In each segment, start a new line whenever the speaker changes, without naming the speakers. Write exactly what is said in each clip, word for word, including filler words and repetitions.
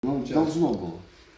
Ну, должно було.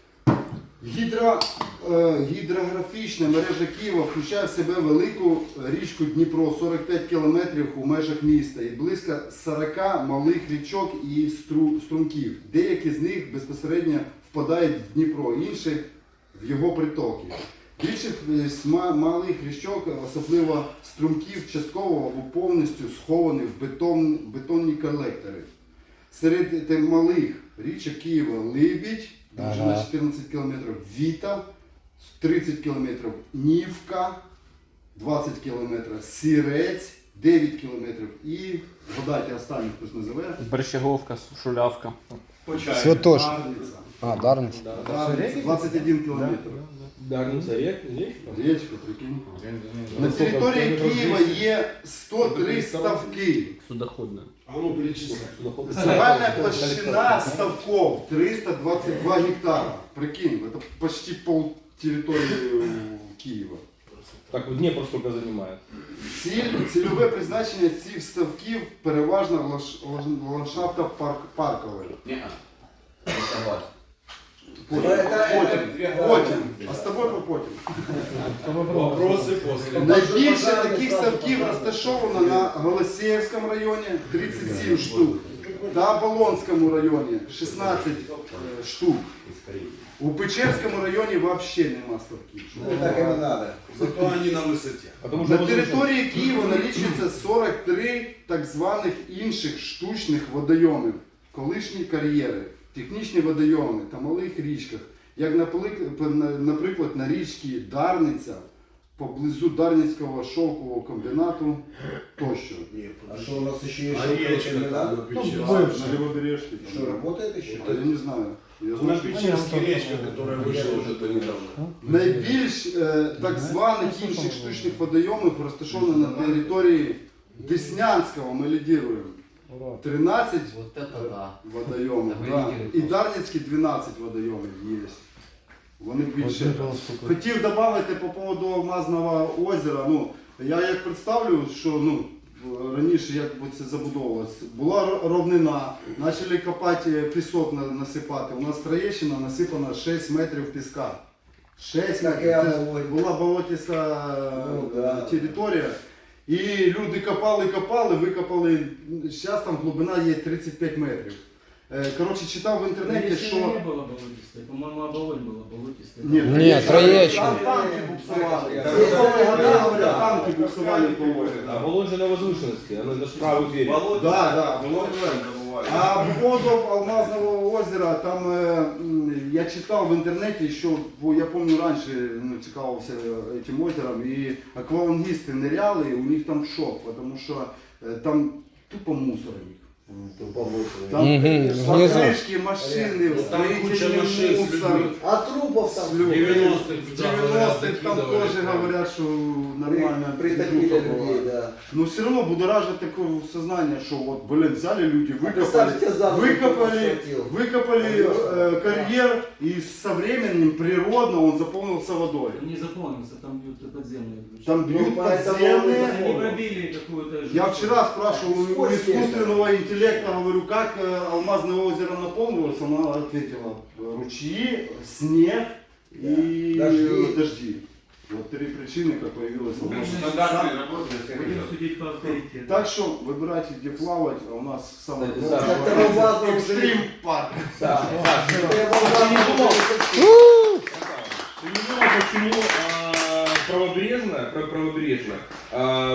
Гідро, е, гідрографічна мережа Києва включає в себе велику річку Дніпро, сорок п'ять кілометрів у межах міста і близько сорок малих річок і стру, струмків. Деякі з них безпосередньо впадають в Дніпро, інші в його притоки. Більшість малих річок, особливо струмків, частково або повністю сховані в бетон, бетонні колектори. Серед малих річок Києва Либідь, довжина чотирнадцять кілометрів, Віта, тридцять кілометрів, Нівка, двадцять кілометрів, Сірець, дев'ять кілометрів і, згадайте останній, хтось називає.
Берщаговка, Шулявка.
Святош.
Дарниця.
А, Дарниця.
Дарниця, двадцять один кілометр.
Дарниця річка?
Річка, прикинь. На території Києва є сто три ставки.
Судоходна.
А ну перечисли.
Загальная площадь ставков триста двадцять два гектара. Прикинь, это почти пол территории Києва.
Так, Дніпро сколько займає?
Ціль, цільове призначення цих ставків переважно лаш, ландшафта парк, паркове.
Не, не согласен.
Потім, потім, потім. А з тобою потім.
Вопроси после.
Найбільше таких ставків розташовано на Голосіївському районі тридцять сім штук та Болонському районі шістнадцять штук. У Печерському районі взагалі нема ставків.
Ну, так и не надо.
Зато они на высоте.
Потому
На
що
території Києва налічується сорок три так званих інших штучних водойомів, колишні кар'єри, технічні водойоми та малих річках, як наприклад на річці Дарниця, поблизу Дарницького шовкового комбінату тощо.
А что у нас еще есть?
А речка
не
там
надо?
на Печерске.
На Левобережке.
Что, работает еще?
Я не знаю. Я
На
знаю, що
Печерске речка, которая вышла уже-то недавно.
найбільш е, так званих інших штучних водойомів розташовано на території Деснянського, ми лідируємо. тринадцять
Вот это да.
водойомів.
Та ви
Да.
лідируєте.
І Дарницькі дванадцять водойомів є. Вони більше. Хотів додати по поводу Алмазного озера. Ну, я як представлю, що ну, раніше як би це забудовувалося. Була ро- ровнина, почали копати пісок на- насипати. У нас Троєщина насипана шість метрів піска. шість
Так
метрів.
я
Це
говорю.
була болотиста
Ну, да.
територія. І люди копали, копали, викопали. Зараз там глибина є тридцять п'ять метрів. Е, Коротше, читав в інтернеті, що...
не было болотистой. По-моему, оболонь была болотистой.
Ні,
Ні, Троєщина.
Там танки буксували.
Я-
Сорокові годи, говорять, танки буксували по морю.
А Волонь же на возвышенности, она даже правый берег.
Да, да, було. А по поводу Алмазного озера, там е, м, я читав в інтернеті, що, бо я пам'ятаю, раніше ну, цікавився цим озером, і аквалангісти ниряли, і у них там шок, тому що е, там тупо мусор їх. Там
Мгм, внизу.
покришки, машини,
Там куча
строительний
машин с
мусор.
людьми.
А трупов там?
Люди.
девяностых,
В
да, говорят,
девяностых там
закидывали
тоже
там.
говорят, что нормально.
Притопили
движуха была.
людей, да.
Но все равно будоражит такое сознание, что вот, блин, взяли люди, выкопали,
Представьте, за руку
выкопали,
схватил.
выкопали э, карьер, и со временем природно он заполнился водой.
Он не заполнился, там бьют подземные.
Там бьют
Ну, поэтому
подземные.
он
Они пробили какую-то...
Я вчера спрашивал у
Сквозь
искусственного интеллекта, говорю, как э, Алмазное озеро наполнилось, она ответила, ручьи, снег и
Дожди.
дожди. Вот три причины, как появилось Алмазное.
Стандартные работы.
Будем судить по авторитету.
Так что выбирайте, где плавать, а у нас самый
Кстати,
лучший
Саша,
это у вас был
экстрим парк.
Да.
Ты не думал, почему а, правобережная, про- правобережная, а,